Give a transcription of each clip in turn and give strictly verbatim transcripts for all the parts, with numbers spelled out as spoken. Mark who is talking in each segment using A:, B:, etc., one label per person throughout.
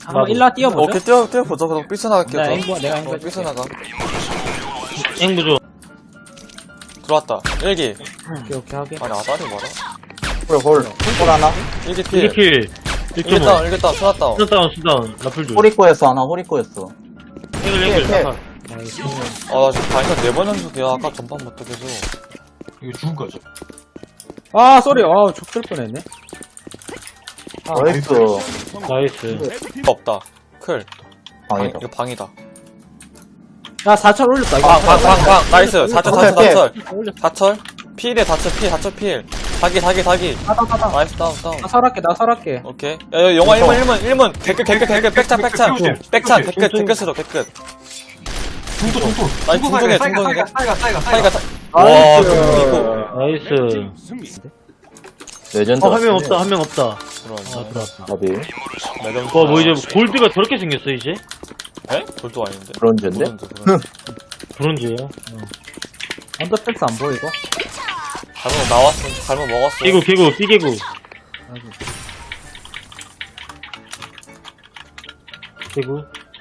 A: 한번 일라 뛰어보죠.
B: 오케이, 뛰어, 뛰어보자. 그럼 삐쳐나갈게요.
A: 내가
B: 저.
A: 앵부, 내가 앵부
B: 어,
A: 해줄게.
B: 삐쳐나가.
C: 앵부조.
B: 들어왔다. 일기.
A: 오케이, 오케이, 하게.
B: 아니, 아다리 뭐라?
D: 홀, 홀. 홀 하나?
B: 일기 필.
C: 일 킬.
B: 일기
C: 일 점 오.
B: 다운, 일기 다운, 수나 다운.
C: 수다운, 수다운. 라플 줄.
D: 호리코였어, 하나, 호리코였어.
C: 앵글,
D: 킬,
C: 앵글.
D: 킬.
A: 나이스.
B: 아, 나 지금 바인드 네번 연속이야. 아까 전판 못 뜨게서.
E: 이거 죽은 거죠.
A: 아, 쏘리. 아, 족될 뻔했네.
D: 나이스.
C: 나이스.
B: 없다. 클. 방,
D: 방이다.
B: 이거 방이다.
A: 야, 사철 올렸다, 이거.
B: 방, 방, 방, 방. 나이스. 사철, 사철,
D: 오케이,
B: 사철.
A: 올렸어.
B: 사철. 필에 다철, 필, 다철, 필. 사기, 사기, 사기.
A: 아, 나, 나, 나.
B: 나이스, 다운, 다운.
A: 나 설할게, 나 설할게.
B: 오케이. 야, 야, 영화 일 문, 일 문, 일 문. 개끝, 개끝, 개끝. 백찬, 백찬. 백찬, 개끝, 개끝으로, 개끝.
E: 중도, 중도.
B: 아니,
E: 중도
B: 중동이야,
E: 사이가,
B: 중동이야.
E: 사이가, 사이가, 사이가,
B: 사이가,
E: 사이가.
B: 사... 와,
A: 나이스.
B: 이거.
C: 나이스.
D: 레전드.
C: 어, 한 명 없다, 한 명 없다. 아,
B: 들어왔네.
C: 들어왔다.
D: 나비.
B: 매점.
C: 와, 뭐 이제 골드가 저렇게 생겼어, 이제?
B: 에? 돌도 아닌데.
D: 브론즈인데?
B: 브론즈, 브론즈.
C: 브론즈예요.
A: 언더팩스 안 보이고?
B: 잘못 나왔어. 잘못 먹었어.
C: 개구, 개구, 삐개구. 개구.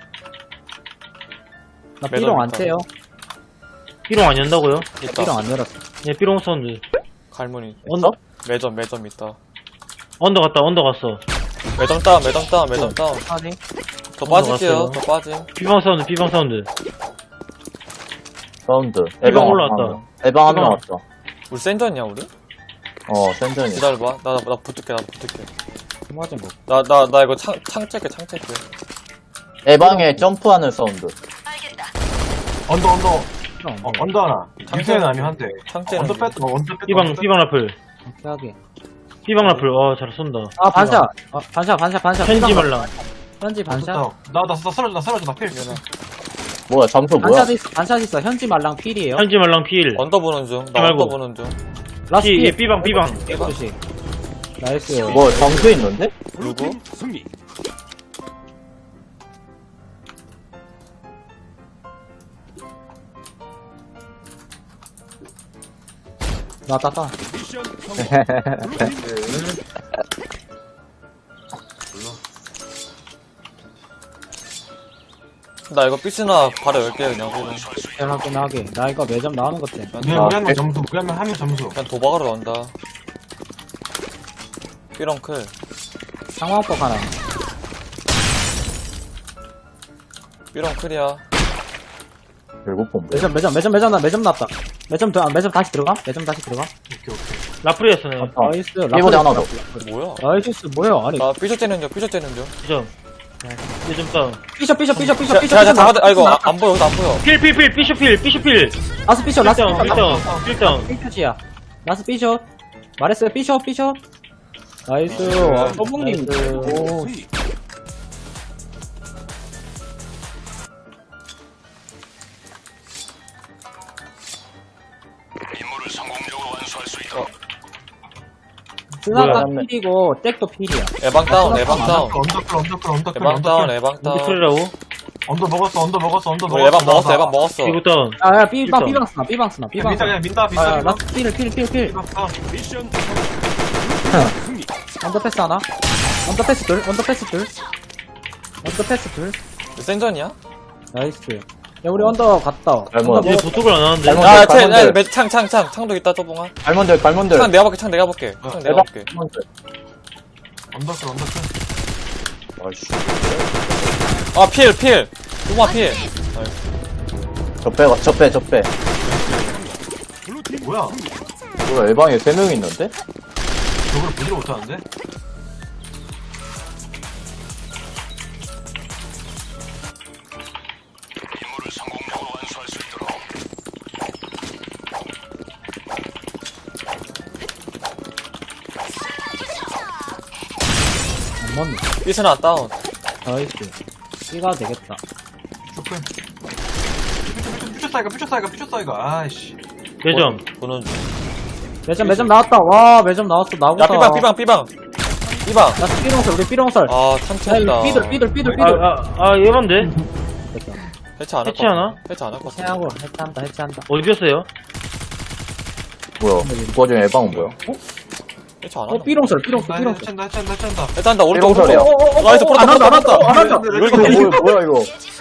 A: 나 삐롱 안
B: 매점
A: 떼요.
C: 삐롱 안 연다고요?
B: 있다.
A: 삐롱 안 열었어.
C: 예, 삐롱 사운드.
B: 갈무늬.
C: 언더?
B: 매점, 매점 있다.
C: 언더 갔다, 언더 갔어.
B: 매점 다운, 매점 다운, 매점 다운.
A: 아니.
B: 더 빠질게요.
C: 넘어갔어요.
B: 더 빠짐.
C: 삐방 사운드, 삐방 사운드.
D: 사운드.
C: 에방 올라왔다.
D: 에방 한 명
C: 에방.
D: 왔다.
B: 우리 센전이야, 우리?
D: 어, 센전이.
B: 기다려봐. 나, 나, 나 붙을게, 나 붙을게.
A: 맞은 거.
B: 나, 나, 나 이거 창, 창 찰게, 창 찰게.
D: 에방에 점프하는 사운드.
E: 언더, 언더.
A: 삐롱.
E: 어, 언더 하나. 유세는 아니면 한 대.
B: 창 째는
E: 언더
B: 거.
E: 뺐다, 뭐, 언더 뺐다.
C: 삐방,
E: 언더
C: 삐방 라플.
A: 오케이, 하게.
C: 삐방 라플. 와, 잘 쏜다.
A: 아, 반샷. 아, 반샷, 반샷, 반샷.
C: 현지
A: 삐방
C: 말랑.
A: 현지 반샷.
E: 뺐다. 나, 나, 나 쓰러져, 나 쓰러져, 나 필.
D: 뭐야, 점수 뭐야?
A: 반샷 있어, 반샷 있어. 현지 말랑 필이에요.
C: 현지 말랑 필.
B: 언더 보는 중. 나
C: 말고.
B: 언더 보는 중.
A: 라스트
C: 피, 예,
A: 필.
C: 삐방, 삐방.
A: 조심. 나이스.
D: 뭐, 점수 있는데?
B: 누구?
A: 나 따따.
B: 나 이거 삐스나 바로 열게, 그냥. 그냥,
A: 하긴 하게. 나 이거 매점 나오는 것 때문에.
E: 우리 한 명 점수, 우리 한 명, 한 명 점수.
B: 그냥 도박으로 나온다. 삐렁 클.
A: 상황법 하나.
B: 삐렁 클이야.
D: 결국 본 거야.
A: 매점, 매점, 매점, 매점 나 매점 났다. 매점 더, 매점 다시 들어가? 매점 다시 들어가?
E: 오케이, 오케이.
C: 라플이었어, 네.
D: 어.
A: 나이스.
D: 일본에 하나 더.
B: 뭐야?
A: 나이스, 뭐야? 아니.
B: 나 삐져 째는 중, 삐져 째는 중.
C: 점. 삐점 다운.
A: 삐셔, 삐셔, 삐셔, 삐셔,
B: 자,
A: 삐셔.
B: 자,
A: 삐셔,
B: 잡아도, 아, 이거
A: 삐셔,
B: 아, 안 보여, 여기도 안 보여.
C: 필, 필, 필, 삐쇼 필, 삐쇼 필.
A: 라스 삐셔, 라스
C: 필다운,
A: 삐셔.
C: 필다운, 필다운.
A: 삐셔지야. 라스 삐셔. 말했어요, 삐셔, 삐셔. 나이스. 와, 서북님. 오. 스나가
D: 뭐야?
A: 필이고, 잭도 필이야.
B: 에방 다운, 에방 다운.
E: 언더 클, 언더 클, 언더 클,
B: 에방
E: 언더
B: 다운,
E: 클.
B: 에방 다운.
C: 삐클이라고?
E: 언더 먹었어, 언더 먹었어, 언더
B: 우리
E: 먹었어.
B: 에방 먹었어,
E: 나,
B: 에방 먹었어.
C: 이거 다운.
A: 아, 야, 삐방,
C: 필
A: 삐방 쓰나, 삐방 쓰나,
E: 나.
A: 삐방
E: 민다,
A: 쓰나.
E: 그냥 민다,
A: 아,
E: 비싸.
A: 라스 필, 필, 필, 필. 언더패스 하나? 언더패스 둘? 언더패스 둘? 언더패스 둘?
B: 센전이야?
A: 나이스. 야, 우리 언더 갔다.
D: 잘못.
A: 언더
C: 얘
A: 먹-
C: 도둑을 안 하는데.
D: 잘못.
B: 야,
D: 갈몬들,
B: 쟤, 야,
D: 갈몬들.
B: 매- 창, 창, 창. 창도 있다, 쪼봉아.
D: 갈몬들, 갈몬들.
B: 창 내가 볼게, 창 내가 볼게. 창 내가
D: 에방.
B: 볼게.
E: 언더 클, 언더 클.
D: 아이씨.
B: 아, 필, 필. 쪼봉아, 필.
D: 적배, 적배, 적배.
E: 뭐야?
D: 뭐야, 에방에 세 명 있는데?
E: 저걸 보지를 못하는데?
A: 안 맞네.
B: 삐스나 다운.
A: 나이스. B가 되겠다.
E: 쇼크. 퓨처 사이가, 퓨처 사이가, 퓨처 사이가. 아이씨.
C: 매점.
B: 보는 중.
A: 매점, 매점 나왔다. 와, 매점 나왔어. 나보다.
B: 야, 삐방, 삐방, 삐방. 삐방.
A: 나 삐롱설, 우리 삐롱설.
B: 아,
A: 야,
B: 참치했다.
A: 이거 삐들, 삐들, 삐들,
C: 아,
A: 삐들.
C: 아, 아, 얘반데?
A: 됐다.
B: 해체 안 할 것
C: 해체하나?
B: 같아. 해체 안 할 것 같아.
A: 해체하고, 해체한다, 해체한다.
C: 어디 뺐어요?
D: 뭐야, 그 와중에 에방은 뭐야?
B: 일차 안
A: 어,
B: 하나?
A: 삐롱설, 삐롱설,
E: 나
A: 삐롱설.
E: 해찬다 해찬다 해찬다.
B: 일단 나 오른쪽 오른쪽.
D: 삐롱설이야.
B: 어, 나이스 풀었다
A: 안 한다,
B: 풀었다
A: 안 한다, 안 한다.
B: 풀었다. 왜 이렇게
D: 어,
B: 돼?
D: 뭐야, 뭐야, 이거.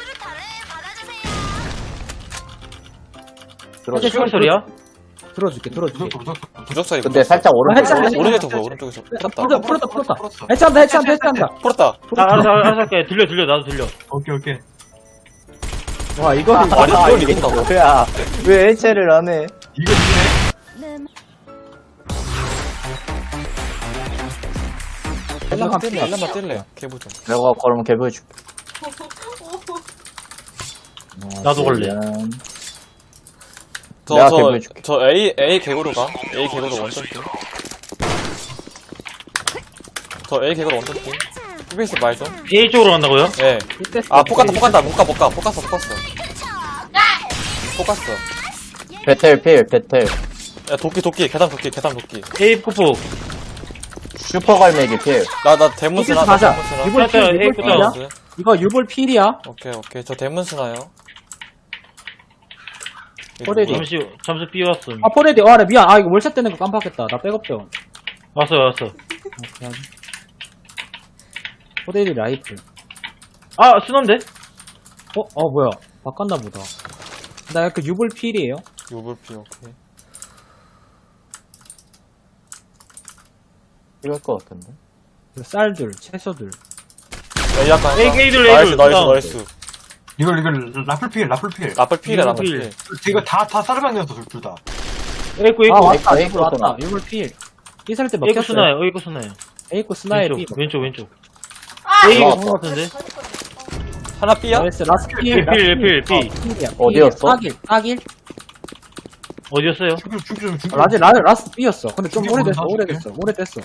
D: 들어줘.
C: 삐롱설이야?
A: 들어줄게, 들어줄게.
E: 무섭다 무섭다.
B: 부적사 이거.
D: 근데 살짝 오른쪽.
A: 해찬, 해찬.
B: 오른쪽에서 보여 오른쪽에서. 풀었다.
A: 풀었다, 풀었다, 풀었다.
E: 풀었어.
A: 해찬다, 해찬다, 해찬다.
B: 풀었다.
C: 아, 알았어, 알았어, 할게. 들려, 들려, 나도 들려.
E: 오케이 오케이.
A: 와, 이거.
B: 아니
D: 아,
B: 이걸
D: 이게
B: 이긴다고?
D: 뭐야. 왜 해체를 안 해?
E: 이거 이기네.
B: 일란만 뛸래 일란만 뛸래. 개부좀.
D: 내가 그러면 개 보여줄게.
C: 나도 걸래.
D: 내가
B: 저저
D: 개보여줄게.
B: 저 A A 개구로 가. A 개구로 원점 팀. 저 A 개구로 원점 팀. 피비에스 말 좀.
C: A 쪽으로 간다고요?
B: 예. 아 폭간다 폭간다 못 가 못 가 폭갔어 폭갔어. 폭갔어.
D: 배틀 필, 배틀.
B: 야 도끼 도끼 계단 도끼 계단 도끼.
C: A 폭폭.
D: 슈퍼 갈매기 필.
B: 나 나 대문스나 나
A: 가자.
B: 대문스나.
A: 이번 필,
C: 맞다,
A: 이번
C: 에이프다.
A: 필이야?
B: 대문스.
A: 이거 유볼 필이야?
B: 오케이 오케이 저 대문스나요.
A: 호레디.
C: 잠시, 잠시 B 왔음.
A: 아, 포레디. 아, 나 미안. 아, 이거 월샷 되는 거 깜빡했다. 나 백업병.
C: 왔어, 왔어.
A: 포레디 라이플.
C: 아, 순한데?
A: 어, 어, 뭐야. 바꿨나 보다. 나 그 유볼 필이에요.
B: 요불피 오케이.
D: 이럴 것 같은데.
A: 그 쌀들, 채소들.
B: A 약간.
C: A, A들,
B: 나이스
C: A들.
B: 나이스
C: 다운.
B: 나이스.
E: 이걸 이걸 라플 필 라플 필.
B: 라플 필이야 라플
C: 필.
B: 필.
E: 이거 다다 사르방이었어 둘 다.
C: A고,
A: 아,
C: A고.
A: 왔다.
D: 에이코
A: 유볼 왔다.
D: 스나.
A: 유볼 필. 삐살 때
C: A고
A: 먹혔어요.
C: 스나요, A고 스나요.
A: 에이코 스나의
C: 왼쪽,
A: 삐.
C: 왼쪽, 왼쪽.
F: 아,
C: A가
D: 올라왔다.
C: 본것 같은데?
B: 하나 B야?
A: 나이스. 라스 필.
C: 필,
A: 라스
C: 필, 필, 필.
A: 어, 필이야.
D: 어디였어?
A: 딱일, 딱일.
C: 어디였어요?
E: 죽여 죽여 좀 죽여.
A: 라지, 라, 라스 B였어. 근데 좀
E: 죽여,
A: 오래됐어,
E: 죽여.
A: 오래됐어, 오래됐어.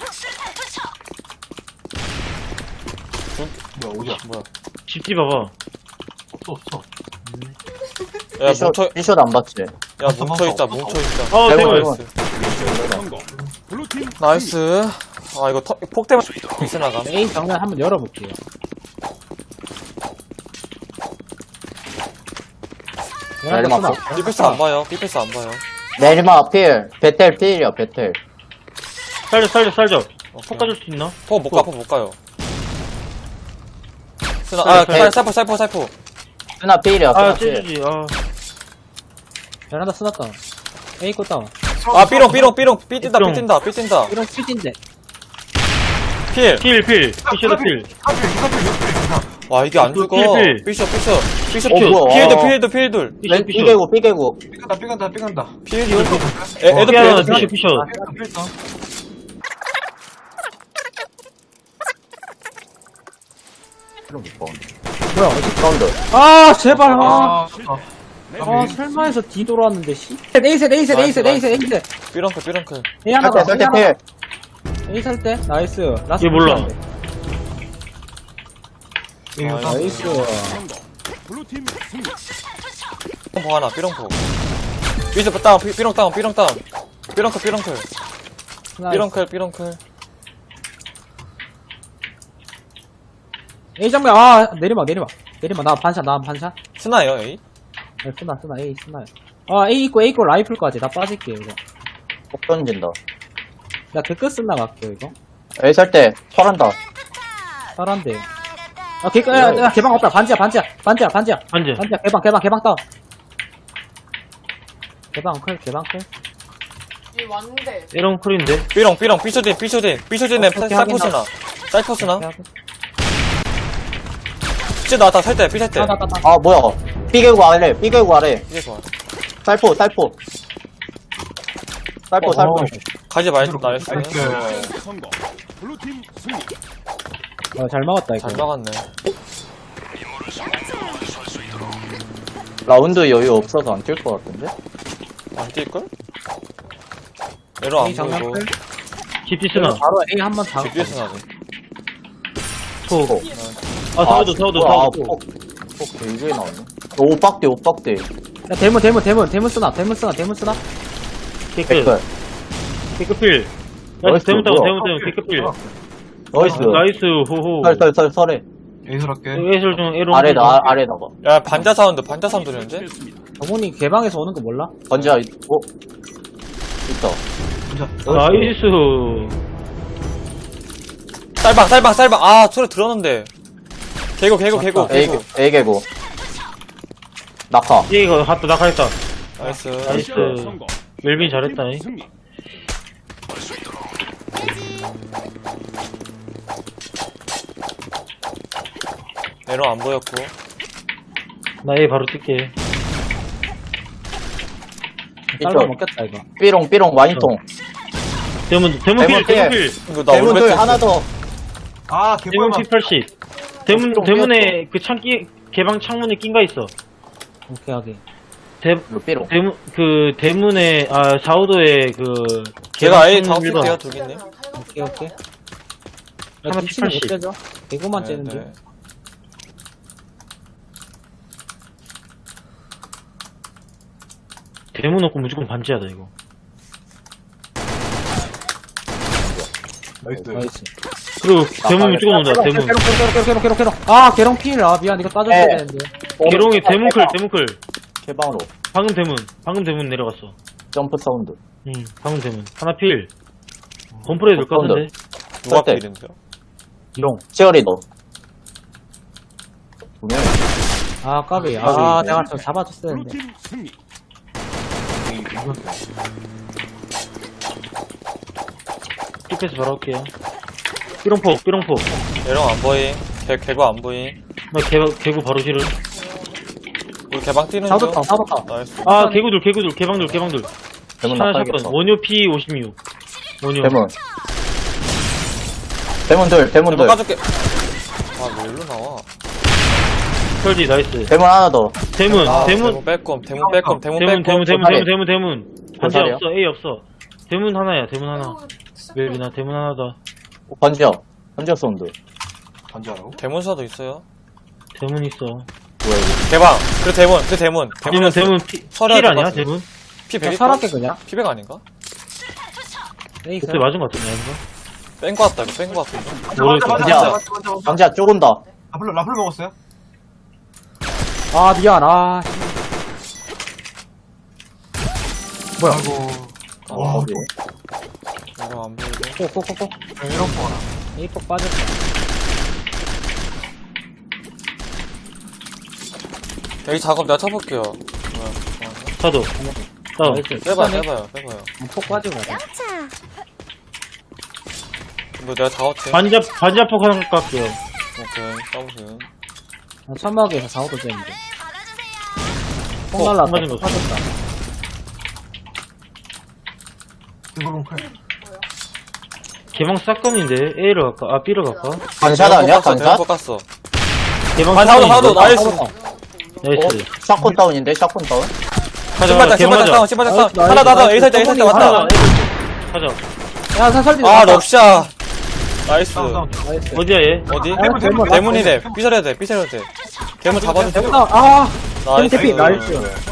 E: 뭐야 어디야?
B: 뭐야?
C: 집지 봐봐.
E: 없어 없어.
B: 야
D: 삐숏,
B: 뭉쳐
D: 삐숏 안 봤지?
B: 야 뭉쳐 있자 뭉쳐 있자.
C: 어,
D: 대박,
C: 대박.
D: 대박.
B: 나이스. 아 이거 터, 폭 때문에 미스 나가.
A: A 정면 한번 열어볼게요.
D: 내리막
A: 쓰나?
D: 폭.
B: 삐패스 안 봐요. 삐패스 안 봐요.
D: 내리막 필. 배틀 필이야, 배틀.
C: 살려, 살려, 살려. 폭 가줄 수 있나?
B: 폭 못 가, 폭 못 가요. 스나, 아,
C: 쌀,
B: 쌀, 살포, 살포, 살포.
D: 스나 필이야,
C: 아,
D: 스나 필.
C: 찢어지, 아.
A: 베란다 쓰났다. A 거 다운.
B: 아, 삐롱, 삐롱, 삐롱, 삐 뛴다, 삐
C: 삐롱.
B: 뛴다, 삐 뛴다.
A: 이런 스피드인데.
B: 필.
C: 필, 필. 피셔도 필.
E: 하필 하필 하필.
B: 와, 이게 안 죽어.
C: 필, 필.
B: 삐셔, 삐셔. 삐셔,
D: 어, 뭐야.
B: 필드,
D: 아.
B: 필드, 필드.
C: 피셔,
D: 왼-
C: 피셔.
D: 삐개고, 삐개고.
E: 삐간다 삐간다 삐간다.
B: 필드. 애, 애들 필,
C: 피아노,
B: 애들
C: 피셔,
B: 필.
C: 피셔.
E: 삐간다 삐간다.
A: 뭐야, 어디?
D: 사운드.
A: 아, 제발, 아.
E: 아,
A: 아, 설마해서 D 돌아왔는데, 씨. A셋, A셋, A셋, A셋, A셋.
B: 삐렁클, 삐렁클.
A: A 하나
D: 설대,
A: 더,
D: 설대
A: A 하나
D: 필.
A: 더. A 살 때? 나이스. 라스
C: 얘 몰라.
E: 이거 다
A: 나이스.
B: 삐렁포 하나, 삐렁포. 삐셔 다운, 삐- 삐렁 다운, 삐렁 다운. 삐렁클, 삐렁클. 삐렁클, 삐렁클.
A: A 장면, 아, 내리막, 내리막. 내리막, 나 반샷, 나 반샷.
B: 스나요, 에이?
A: 네, 쓰나, 쓰나, A, 쓰나. 아, A 있고, A 있고, 라이플까지 다 빠질게요, 이거.
D: 폭 던진다.
A: 나 개끝 쓰나 갈게요, 이거.
D: 에이, 설대. 설한다.
A: 잘한데. 아, 개, 야, 야, 개방 없다. 반지야, 반지야, 반지야, 반지야.
C: 반지.
A: 반지야, 개방, 개방, 개방 다운. 개방 클, 개방 클.
F: 이 왔는데.
C: 에런 쿨인데?
B: 삐렁, 삐렁, 삐쇼딘, 삐쇼딘. 삐쇼딘에
A: 어떻게
B: 쌀포스나. 쌀포스나.
A: 아,
B: 삐 나왔다, 살 때, 삐살 때.
A: 나, 나, 나.
D: 아, 뭐야. 삐개고 아래, 삐개고 아래.
B: 이게 좋아.
D: 살포, 살포. 살포,
A: 어,
D: 살포.
B: 가지 말지, 나이스.
E: 나이스.
A: 어, 잘 막았다, 이거.
B: 잘 막았네.
D: 라운드 여유 없어서 안 뛸 것 같은데?
B: 안 뛸걸? 에러 안
A: A 장면
B: 보이고.
A: 클.
C: 집지 쓰나?
A: 바로 A 한 번 다.
B: 집뒤에서 나네.
C: 폭.
D: 폭.
C: 아, 사우드, 사우드,
D: 뭐야, 아,
C: 사우드.
D: 폭. 폭 되게 나오네. 오박대, 오박대.
A: 야, 대문, 대문, 대문, 대문 쓰나, 대문 쓰나, 대문 쓰나.
C: 개끝.
D: 댓글.
C: 개끝필.
D: 나이스,
C: 나이스, 대문 따고,
D: 뭐야.
C: 대문 따고, 개끝필.
D: 나이스.
C: 나이스, 호호.
D: 설, 설, 설, 설해.
E: 에이스럽게.
C: 에이설 중, 에런.
D: 아래다, 아, 아래다가.
B: 야, 반자 사운드, 반자 사운드 들렸는데?
A: 어머니 개방에서 오는 거 몰라?
D: 번지야, 어? 있다.
E: 진짜.
C: 나이스.
B: 쌀방, 쌀방, 쌀방. 아, 소리 들었는데. 개고, 개고, 개고,
D: A,
B: 개고.
D: A 개고. 낙하.
C: 이거 갔다 나가겠다.
B: 나이스.
C: 나이스. 멜빈 잘했다. 이.
B: 에러 안 보였고.
C: 나 A 바로 뛸게.
A: 쌀방
D: 이쪽.
A: 먹겠다 이거.
D: 삐롱, 삐롱, 와인통.
C: 대문, 대문
D: 대문
C: 필, 대문
D: 필.
C: 필.
B: 이거 나
D: 대문
B: 올베트
D: 둘, 하나 더.
E: 아,
C: 대문
E: 개꿀만.
C: 피 팔십. 대문,
D: 좀
C: 대문에 그 창기, 개방 창문에 낀가 있어.
A: 오케이 하게.
C: 대,
D: 이거 삐롱.
C: 대문, 그, 대문에, 아, 사오도에 그,
B: 걔가 A
C: 개방
B: 다운
C: 창문
B: 뛸게요,
C: 밀어.
B: 두기님.
A: 오케이 오케이.
C: 하나
A: 나 뒤치는 못
C: 피 팔십.
A: 째죠. 개구만
B: 네,
A: 째는 중.
B: 네.
C: 대문 없고 무조건 반지하다, 이거.
E: 나이스.
A: 나이스.
C: 그리고 대문
D: 빨리.
C: 무조건 온다, 대문.
A: 개롱 개롱 개롱 개롱 개롱 개롱. 아 개롱 필. 아 미안 이거 따졌어야
D: 네.
A: 되는데.
C: 개롱이 대문클, 대문클.
D: 개방으로.
C: 방금 대문, 방금 대문 내려갔어.
D: 점프 사운드.
C: 응, 방금 대문. 하나 필. 건프레 될것 같은데?
B: 누가
D: 쌀때.
B: 필인데요?
A: 용.
D: 치어리더. 두 명.
A: 아 까비. 아
D: 까비.
A: 내가 좀 잡아줬어야 했는데.
C: 삐패스 바로 할게요. 삐롱폭, 삐롱폭.
B: 에러 안 보임. 개, 개고 안 보임.
C: 나 개, 개구 바로 실은.
B: 우리 개방 뛰는 중.
A: 사도타 사도타.
B: 나이스.
C: 아, 개구들, 개구들, 개방들, 개방들.
D: 대문
C: 하나
D: 낙하겠어.
C: 샷건. 원효 피 오십육. 원효.
D: 대문. 대문 둘, 대문
B: 대문
D: 둘.
B: 까줄게. 아, 뭐 일로 나와.
C: 설지, 나이스.
D: 대문 하나 더.
C: 대문,
B: 아,
C: 대문,
B: 대문 빼꼼, 대문 빼꼼, 대문
C: 대문,
B: 빼꼼.
C: 대문, 대문,
D: 반사래.
C: 대문, 대문, 대문. 반지
D: 반사래요?
C: 없어, A 없어. 대문 하나야, 대문 하나. 멜비나, 대문 하나 더.
D: 번지어. 번지어 사운드.
E: 반지하라고?
B: 대문사도 있어요.
C: 대문 있어.
D: 뭐야, 이거.
B: 개방. 그 대문, 그 대문.
C: 아니면 대문 피,
B: 설해야
C: 필
B: 될것
C: 아니야,
B: 같은데.
C: 대문?
B: 피
A: 그냥
B: 백?
A: 설할게 그냥.
B: 피백 아닌가?
A: 에이스.
C: 그때 맞은 것 같은데, 이거?
B: 뺀 거 같다, 이거 뺀 거 같은데.
E: 반지,
C: 모르겠어.
E: 반지,
D: 반지야.
E: 반지, 반지, 반지, 반지.
D: 방지야, 쪼근다.
E: 라플, 라플 먹었어요?
A: 아 미안. 아. 뭐야?
E: 아이고.
B: 와,
D: 어디?
B: 에러 안 보이고.
A: 꼬꼬꼬꼬.
E: 이런 거 하나.
A: 에이폭 빠졌다.
B: 여기 작업 내가 쳐볼게요. 뭐야, 잠깐만요.
C: 사도. 다운.
A: 나이스.
B: 빼봐요,
A: 시간에
B: 빼봐요, 빼봐요.
A: 폭 빠지고 가자.
B: 뭐 내가 작업 치
C: 반지, 반지 폭 하나 깎게요.
B: 오케이, 써보세요.
A: 나 천막에서 사오도 째는데. 폭
C: 어,
A: 날랐다.
C: 맞은 거
A: 빠졌다.
E: 이거는 칼.
C: 개방 사건인데, A로 갈까? 아, B로 갈까?
D: 반샷 아니야?
B: 대문
D: 반샷?
B: 깎았어.
C: 개방
B: 반 사도, 사도,
C: 사건인데?
B: 나이스.
A: 사도타.
D: 어?
C: 나이스.
D: 샷건 다운인데? 샷건 다운?
C: 가자,
B: 신발장,
C: 가자, 개방
B: 신발장
C: 가자.
B: 다운, 신발장 다운.
A: 나이스,
B: 하나, 하나,
A: 나이스.
B: A 살 때, A 살 때
A: 하나,
B: 왔다.
C: 하나, 가자.
A: 야, 사 설디.
B: 아, 럭샤. 나이스.
E: 다운, 다운.
A: 나이스.
C: 어디야, 얘?
B: 어디?
A: 대문, 대문.
B: 대문이래. 삐져야 돼, 삐져야 돼. 대문 잡아주세요.
A: 아,
B: 나이스.
A: 대피, 나이스.